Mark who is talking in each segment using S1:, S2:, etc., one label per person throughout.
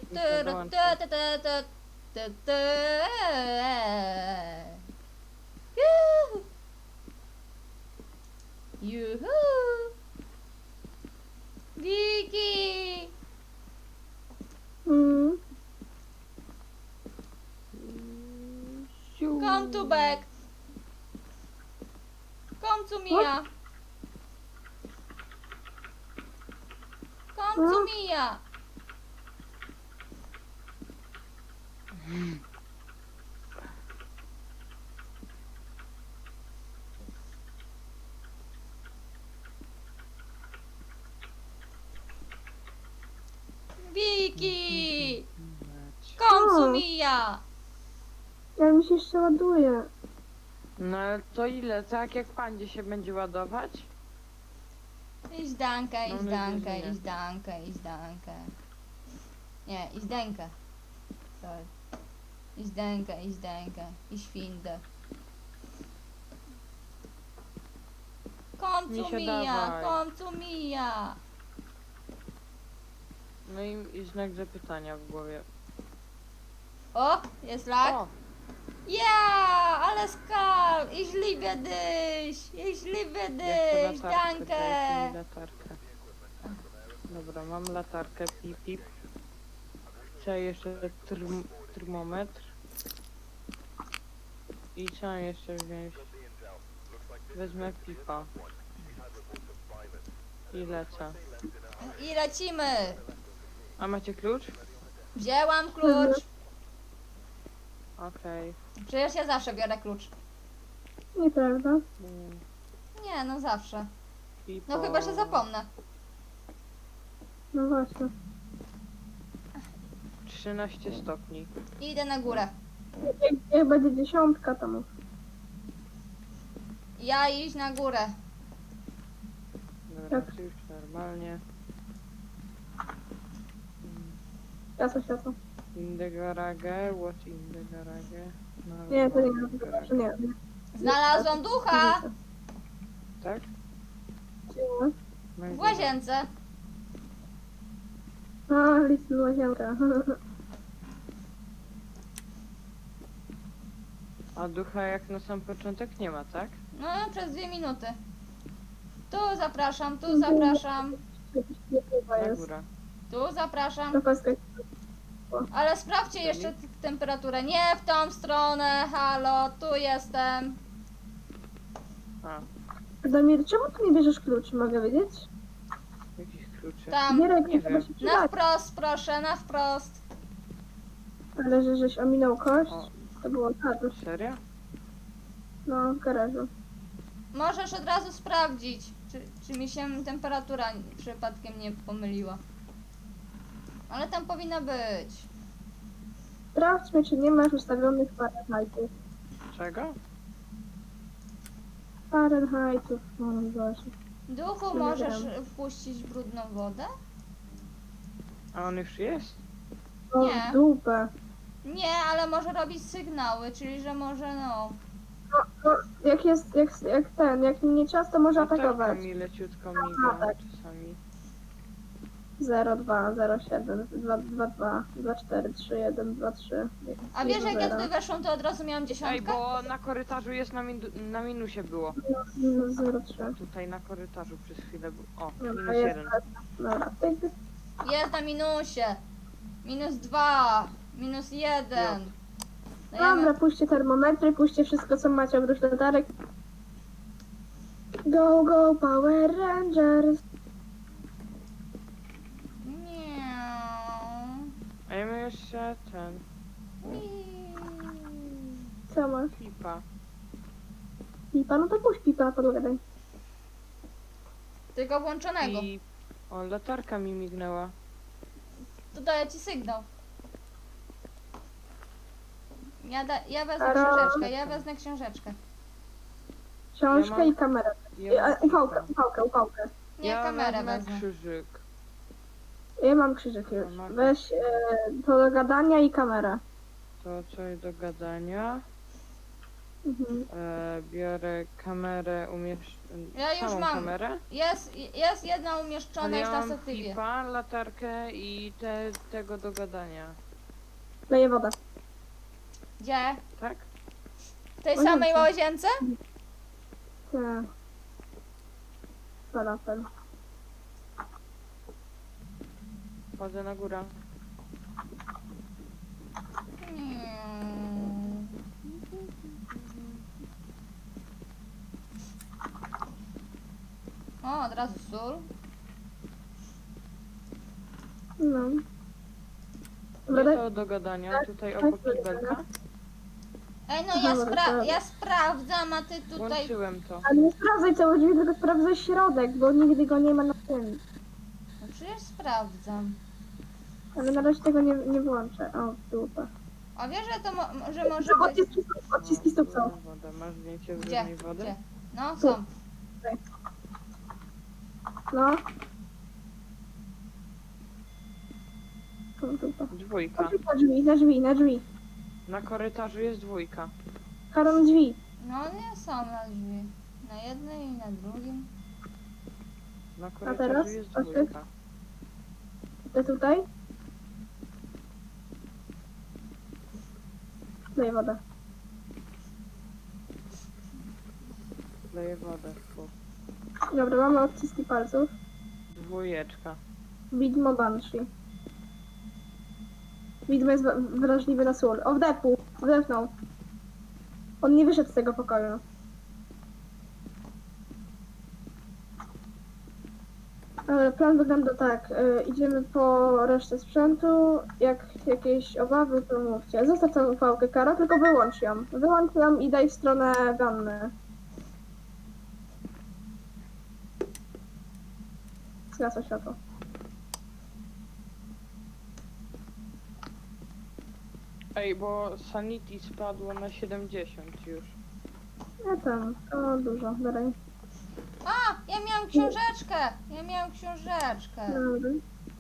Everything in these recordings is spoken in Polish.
S1: Juhu! Wiki! Come to back! Come to Mia! Come to Mia! Wiki! Come to Mia!
S2: Ja mi się jeszcze ładuje.
S3: No ale to ile? Tak jak pandzie się będzie ładować?
S1: Iść dankę,
S3: Mam
S1: iść
S3: nadzieję,
S1: dankę,
S3: że nie.
S1: iść dankę, iść dankę. Nie, iść dękę. Sorry. Iść dękę, iść dękę. Iść findę. Come
S3: Nie
S1: to
S3: się
S1: Mia,
S3: dawaj.
S1: come to Mia.
S3: No i znak zapytania w głowie.
S1: O, jest lag.
S3: O!
S1: Ja, ale skal. Ich liebe dich. Ich liebe
S3: Ja
S1: dich.
S3: chcę latarkę,
S1: Danke.
S3: dajcie mi latarkę. Dobra, mam latarkę, pip pip. Chcę jeszcze termometr. I co mam jeszcze wziąć? Wezmę pipa. I lecę.
S1: I lecimy.
S3: A macie klucz?
S1: Wzięłam klucz.
S3: Okej.
S1: Przecież ja zawsze biorę klucz.
S2: Nieprawda.
S1: Nie, no zawsze.
S3: Pipo.
S1: No chyba, że zapomnę.
S2: No właśnie.
S3: 13 stopni.
S1: Idę na górę.
S2: Jak będzie 10, to mów.
S1: Ja iść na górę.
S3: Dobra,
S2: Tak.
S3: to już normalnie.
S2: Światło.
S3: In the garage, what in the garage? No,
S2: Nie, to nie
S3: no,
S2: ma.
S3: garage.
S2: Nie.
S1: Znalazłam ducha
S3: Tak?
S2: Gdzie?
S1: w łazience.
S2: A, listny łazienka.
S3: A ducha jak na sam początek nie ma, tak?
S1: No, przez 2 minuty. Tu zapraszam, tu zapraszam,
S2: Nie chyba
S3: Na
S2: jest.
S3: górę.
S1: tu zapraszam.
S2: To paska.
S1: Ale sprawdźcie jeszcze temperaturę. Nie w tą stronę, halo, tu jestem.
S3: A,
S2: Damir, czemu ty nie bierzesz kluczy, mogę wiedzieć?
S3: jakich kluczy?
S1: Tam,
S2: Gierek,
S3: nie
S2: nie chyba
S3: wiem.
S2: się
S1: na
S2: przydać.
S1: wprost, proszę, na wprost.
S2: Ale żeś ominął kość,
S3: O.
S2: to było tak.
S3: Serio?
S2: No, w garażu.
S1: Możesz od razu sprawdzić, czy mi się temperatura przypadkiem nie pomyliła. Ale tam powinna być.
S2: Sprawdźmy, czy nie masz ustawionych Fahrenheitów.
S3: Czego?
S2: Fahrenheitów, no Boże.
S1: Duchu,
S2: Nie
S1: możesz
S2: wiem.
S1: wpuścić brudną wodę?
S3: A on już jest?
S2: O,
S1: Nie.
S2: w dupę.
S1: Nie, ale może robić sygnały, czyli że może no.
S2: No, jak nie ciasto może
S3: Latarka
S2: atakować.
S3: mi leciutko
S2: A,
S3: miga
S2: tak.
S3: czasami.
S2: 0, 2, 0, 7, 2, 2, 2, 2, 4, 3, 1, 2, 3.
S1: A wiesz, jak ja tutaj weszłam, to od razu miałam
S3: Ej,
S1: dziesiątkę?
S3: bo na korytarzu jest na minusie było.
S2: Minus 0, 3.
S3: Tutaj na korytarzu przez chwilę było. O,
S2: Dobra,
S3: minus
S2: jest.
S3: 1.
S2: Dobra, tyk.
S1: Jest na minusie. -2, -1.
S2: Dobra, puśćcie termometry, puśćcie wszystko, co macie oprócz latarek. Go, go, Power Rangers.
S1: Miau.
S3: A ja mam jeszcze ten.
S2: Co masz?
S3: Pipa.
S2: Pipa? No to puść pipa, podgadaj.
S1: Tylko włączonego.
S3: I... O, latarka mi mignęła.
S1: To daję ci sygnał. Ja wezmę
S2: Ara.
S1: książeczkę, ja wezmę książeczkę.
S2: Książkę
S3: Ja mam-
S2: i kamerę.
S3: Ja mam
S2: Ufałkę,
S3: pipa.
S2: ufałkę.
S1: Nie,
S3: Ja
S1: kamerę
S3: wezmę
S1: wezmę.
S3: krzyżyk.
S2: Ja mam krzyżyk już.
S3: Kamerę.
S2: Weź to do gadania i kamerę.
S3: To coś do gadania. Biorę kamerę,
S1: Ja już
S3: samą
S1: mam.
S3: kamerę.
S1: Jest jedna umieszczona
S3: Ale
S1: już
S3: ja
S1: na
S3: mam
S1: statywie.
S3: pipa, latarkę i tego do gadania.
S2: Leję wodę.
S1: Gdzie?
S3: Tak?
S1: W tej
S2: Łazience.
S1: samej łazience?
S2: Tak. Falafel.
S3: Chodzę na górę.
S1: Hmm. O, od razu sól.
S2: No.
S3: Gdzie
S2: Dobra,
S3: to do gadania?
S2: tak,
S3: Tutaj
S2: tak,
S3: obok
S2: tak,
S3: kibelka?
S1: Ej, no
S2: Aha, dobra.
S1: ja sprawdzam, a ty tutaj...
S3: Włączyłem to.
S2: ale nie sprawdzaj całe drzwi, tylko sprawdzaj środek, bo nigdy go nie ma na tym.
S1: No przecież sprawdzam.
S2: Ale na razie tego nie włączę. O, dupa.
S1: A wiesz, że to że może
S2: Co,
S1: być...
S2: odciski stóp są.
S3: Woda. Masz zdjęcie
S1: Gdzie?
S3: brudnej wody?
S1: Gdzie? No, są.
S2: No. O, dupa.
S3: Dwójka.
S2: Na drzwi, na drzwi.
S3: Na korytarzu jest dwójka.
S2: Karol, drzwi.
S1: No nie są na drzwi. Na jednej i na drugim.
S3: Na
S2: teraz?
S3: korytarzu jest
S2: Proszę.
S3: dwójka.
S2: Te tutaj. Daję wodę.
S3: Daję wodę. Fu.
S2: Dobra, mamy odciski palców.
S3: Dwójeczka.
S2: Widmo Banshee. Widmo jest wrażliwy na sól. O, wdepnął. On nie wyszedł z tego pokoju. Dobra, plan wygląda tak. Idziemy po resztę sprzętu. Jak jakieś obawy, to mówcie. Zostaw tą ufałkę, Karo, tylko wyłącz ją. Wyłącz ją i daj w stronę wanny. Zgasło światło.
S3: Ej, bo sanity spadło na 70 już.
S2: Ja tam, o dużo, dalej.
S1: A! Ja miałam książeczkę! Ja miałam książeczkę.
S2: Dobra.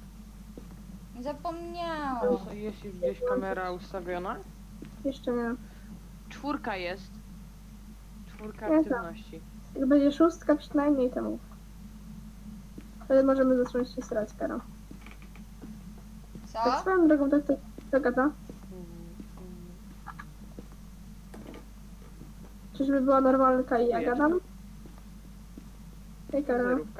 S1: Zapomniałam.
S3: Jest już gdzieś kamera ustawiona?
S2: Jeszcze nie.
S3: Czwórka jest. Czwórka
S2: Ja
S3: aktywności.
S2: Jak będzie szóstka przynajmniej, to mów. Wtedy możemy zacząć się starać, Karo. Tak
S1: Co?
S2: swoją drogą, to gada. Czyżby była normalka i ja
S3: Dwójeczka.
S2: gadam? Hej, Karo.
S3: Zerówka.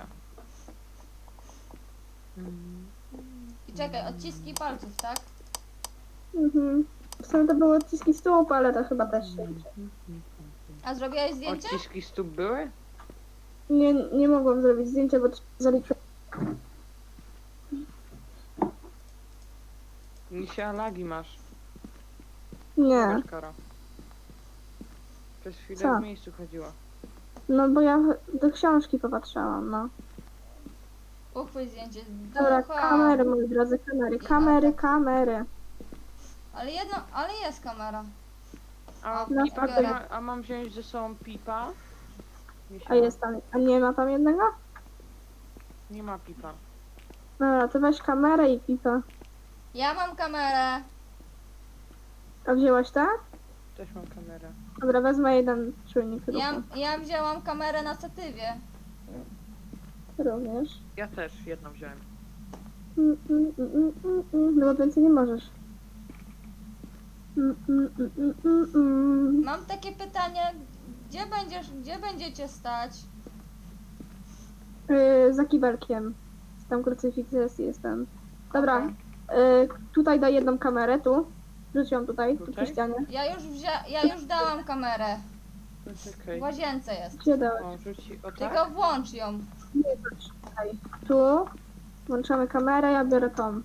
S1: I czekaj, odciski palców, tak?
S2: Mhm. W sumie to były odciski stóp, ale to chyba też się liczy.
S1: A zrobiłaś zdjęcie?
S3: Odciski stóp były?
S2: Nie mogłam zrobić zdjęcia, bo zaliczyłem.
S3: Misia lagi masz.
S2: Nie.
S3: Zobacz, Karo. Przez chwilę
S2: Co?
S3: w miejscu chodziła.
S2: No bo ja do książki popatrzałam, no.
S1: Uchwyć zdjęcie.
S2: Dobra,
S1: Ducha.
S2: kamery, moi drodzy, kamery.
S1: Ale jest kamera.
S3: A,
S1: No,
S3: pipa,
S1: biorę.
S3: a mam wziąć ze sobą pipa? Misia,
S2: A jest tam, a nie ma tam jednego?
S3: Nie ma pipa.
S2: Dobra, to weź kamerę i pipa.
S1: Ja mam kamerę.
S2: A wzięłaś te?
S3: Też mam kamerę.
S2: Dobra, wezmę jeden czujnik ruchu.
S1: Ja wzięłam kamerę na statywie.
S2: Również.
S3: Ja też jedną wziąłem.
S2: No bo więcej nie możesz.
S1: Mam takie pytanie. Gdzie będziecie stać?
S2: Za kibelkiem. Tam krucyfiks jest ten. Dobra,
S1: Okej.
S2: tutaj daj jedną kamerę, tu. Rzuć ją tutaj, tu przy
S3: Tutaj?
S2: ścianie.
S1: Ja już dałam kamerę.
S3: Poczekaj.
S1: W łazience jest.
S2: Gdzie dałeś?
S3: O, rzuci o tak?
S1: Tylko włącz ją.
S2: Nie, tutaj. Tu. Włączamy kamerę, ja biorę tą.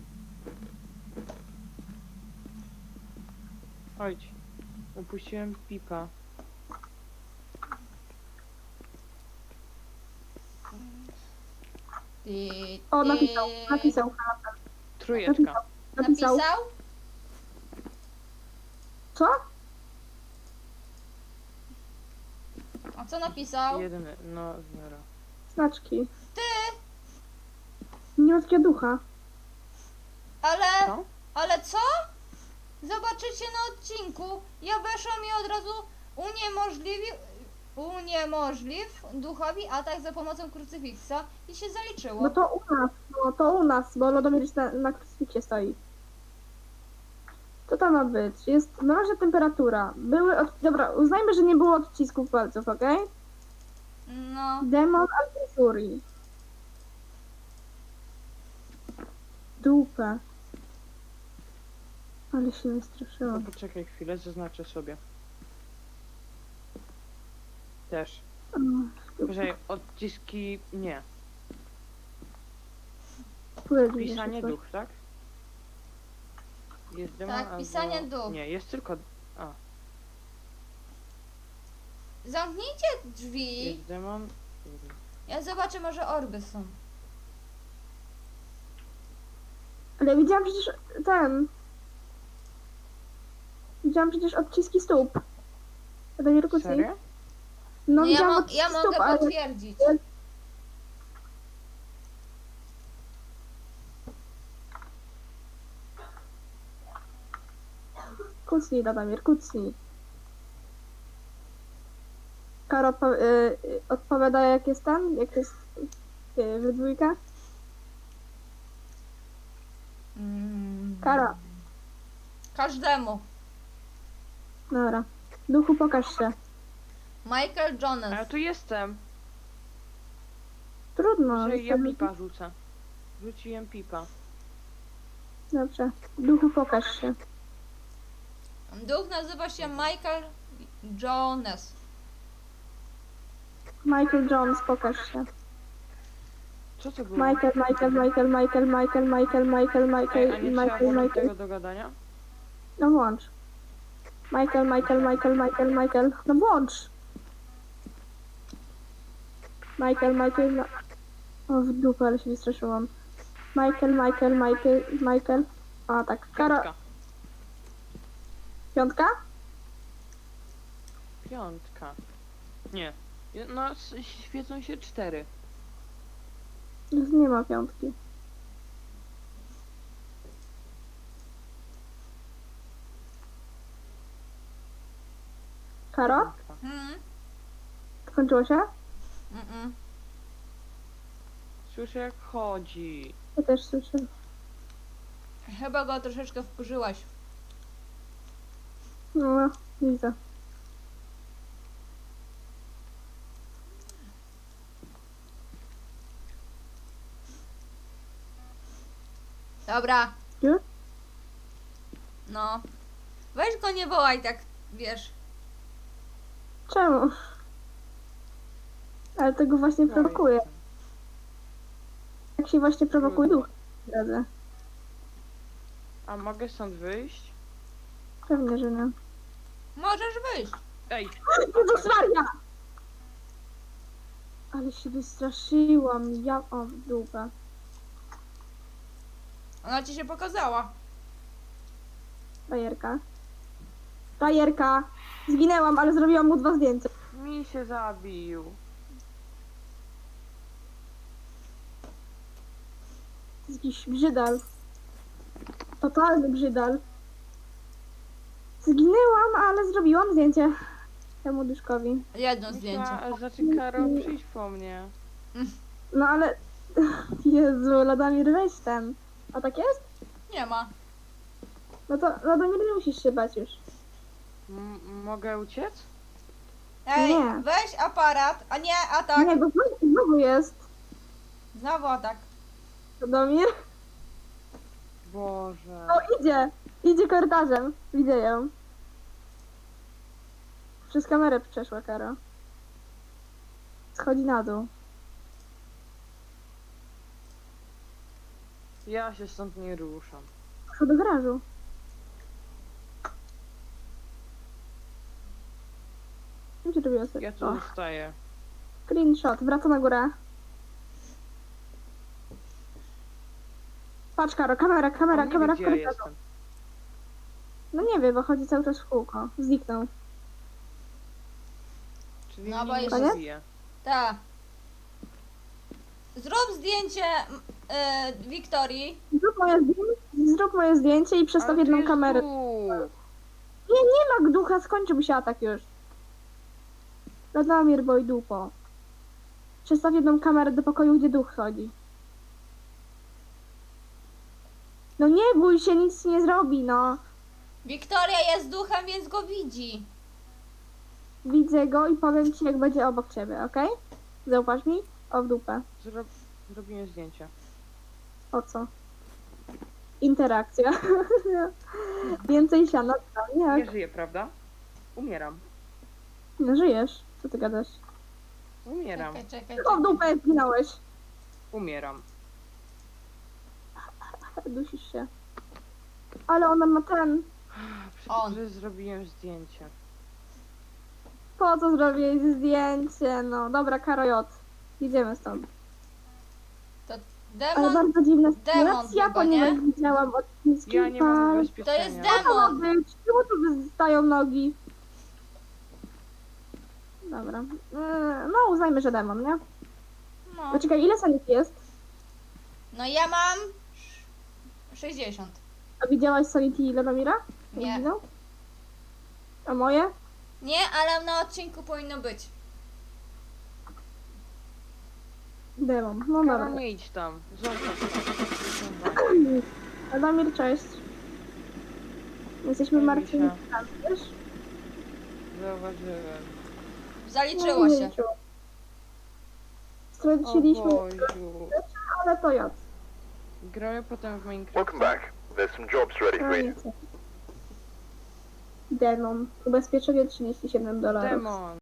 S3: Chodź. Upuściłem pipa.
S2: O, napisał.
S3: Trójeczka.
S2: Napisał. Co?
S1: A co napisał?
S3: Jedyny, no zero.
S2: Znaczki.
S1: Ty!
S2: Nie ma takiego ducha.
S1: Ale...
S3: Co?
S1: Ale co? Zobaczycie na odcinku. Ja weszłam i od razu uniemożliw duchowi atak za pomocą krucyfiksa i się zaliczyło.
S2: No to u nas, bo Lodomir już na krucyfiksie stoi. Co tam ma być? Jest mroźna temperatura. Dobra, uznajmy, że nie było odcisków palców, okej?
S1: No,
S2: Demon Alfuri. Dupę. Ale się
S3: No
S2: wystraszyłam.
S3: poczekaj chwilę, zaznaczę sobie. Też.
S2: O,
S3: Poczekaj, odciski... nie.
S2: powiedz mi
S3: Pisanie
S2: jeszcze coś.
S3: duch, tak? Jest demon
S1: Tak,
S3: albo...
S1: pisanie duch.
S3: Nie, jest tylko... A,
S1: zamknijcie drzwi.
S3: jest demon...
S1: Ja zobaczę, może orby są.
S2: Ale widziałam przecież Widziałam przecież odciski stóp. Lodomir kucnij.
S3: Serio?
S2: No,
S1: No ja,
S2: widziałam
S1: ja
S2: odciski
S1: mogę
S2: stóp, ale...
S1: potwierdzić.
S2: Kucnij, Lodomir, kucnij. Karo odpowiada jak jest jak jest we dwójkę. Kara.
S1: Każdemu.
S2: Dobra. Duchu, pokaż się.
S1: Michael
S3: A ja
S1: Jonas.
S3: tu jestem.
S2: Trudno.
S3: Że ja
S2: jestem-
S3: pipa rzucę. Rzuciłem pipa.
S2: Dobrze. Duchu, pokaż się.
S1: Duch nazywa się Michael Jonas.
S2: Michael Jones, pokaż się.
S3: Co to było?
S2: Michael.
S3: Ej, a nie trzeba włożyć tego do gadania?
S2: No włącz. Michael. No włącz. Michael. O, w dupę, ale się wystraszyłam. Michael. A tak. Kara.
S3: Piątka.
S2: Piątka?
S3: Piątka. Nie. No, świecą się 4.
S2: Nie ma piątki. Karo?
S1: Hmm?
S2: Skończyło się?
S1: Mm-mm.
S3: Słyszę jak chodzi.
S2: Ja też słyszę.
S1: Chyba go troszeczkę wkurzyłaś.
S2: No, widzę.
S1: Dobra.
S2: Już?
S1: No. Weź go nie wołaj tak, wiesz.
S2: Czemu? Ale tego właśnie
S3: No
S2: prowokuje. Jak się właśnie prowokuje duch. Drodzy.
S3: A mogę stąd wyjść?
S2: Pewnie, że nie.
S1: Możesz wyjść.
S3: Ej!
S2: Jezus Maria! Ale się wystraszyłam. O, w dupę.
S1: Ona ci się pokazała.
S2: Frajerka. Zginęłam, ale zrobiłam mu 2 zdjęcia.
S3: Mi się zabił.
S2: To jest jakiś brzydal. Totalny brzydal. Zginęłam, ale zrobiłam zdjęcie temu duszkowi.
S1: Jedno zdjęcie.
S3: Znaczy Karo, przyjdź po mnie.
S2: No ale... Jezu, Lodomir, weź ten. A tak jest?
S1: Nie ma.
S2: No to Lodomir, nie musisz się bać już.
S3: Mogę uciec?
S1: Ej,
S2: Nie.
S1: weź aparat, a nie atak.
S2: Nie, bo znowu jest.
S1: Znowu atak.
S2: Lodomir.
S3: Boże.
S2: O, idzie. Idzie korytarzem. Widzę ją. Przez kamerę przeszła Karo. Schodzi na dół.
S3: Ja się stąd nie ruszam.
S2: Poszła do garażu. Gdzie robiła sobie?
S3: Ja tu
S2: O,
S3: zostaję.
S2: screenshot. Wraca na górę. Patrz Karo, kamera
S3: On nie wie,
S2: w
S3: gdzie ja
S2: korytarzu.
S3: jestem.
S2: No nie wie, bo chodzi cały czas w kółko. Zniknął.
S3: Czyli
S1: No, bo
S3: mnie nie
S1: jeszcze-
S3: zabije.
S1: Tak. Zrób zdjęcie Wiktorii.
S2: Zrób moje zdjęcie i przestaw
S3: Ale tu
S2: jedną
S3: jest
S2: kamerę.
S3: duch.
S2: Nie ma ducha, skończył się atak już. Radomir, boj dupo. Przestaw jedną kamerę do pokoju, gdzie duch chodzi. No nie bój się, nic nie zrobi, no.
S1: Wiktoria jest duchem, więc go widzi.
S2: Widzę go i powiem ci, jak będzie obok ciebie, okej? Zauważ mi? O, w dupę.
S3: Zrobiłem zdjęcie.
S2: O co? Interakcja. Więcej siana,
S3: Nie
S2: jak?
S3: żyję, prawda? Umieram.
S2: No żyjesz. Co ty gadasz?
S3: Umieram.
S1: Czekaj.
S2: O, w dupę jak zginąłeś.
S3: Umieram.
S2: Dusisz się. Ale ona ma ten...
S1: On.
S3: Przecież zrobiłem zdjęcie.
S2: Po co zrobiłeś zdjęcie? No, dobra, Karo J. Idziemy stąd.
S1: To
S2: Ale
S1: demon.
S2: bardzo dziwna
S1: demon
S2: sytuacja,
S1: chyba, nie?
S2: ponieważ widziałam od chińskich
S3: Ja nie mam
S1: To
S3: ubezpieczenia.
S1: jest
S2: Co ma
S1: demon.
S2: być? Czemu tu wystają nogi? Dobra. No, uznajmy, że demon, nie?
S1: No.
S2: Poczekaj, ile sanit jest?
S1: No ja mam 60.
S2: A widziałaś Sanity i Radomira?
S1: Nie.
S2: Widział? A moje?
S1: Nie, ale na odcinku powinno być.
S2: Demon. No
S3: Karo,
S2: dobra.
S3: nie idź tam. Zostaw tam.
S2: Radomir, cześć. Jesteśmy
S3: Zajmij
S2: martwi,
S3: się.
S2: wiesz?
S3: Zauważyłem.
S1: Zaliczyło
S2: No,
S1: się.
S2: o
S3: O
S2: Straciliśmy,
S3: Boziu.
S2: ale to ja.
S3: Grałem potem w
S4: Welcome
S3: Minecraft.
S4: back. There's some jobs ready for you.
S2: Demon. Ubezpieczenie $37.
S3: Demon.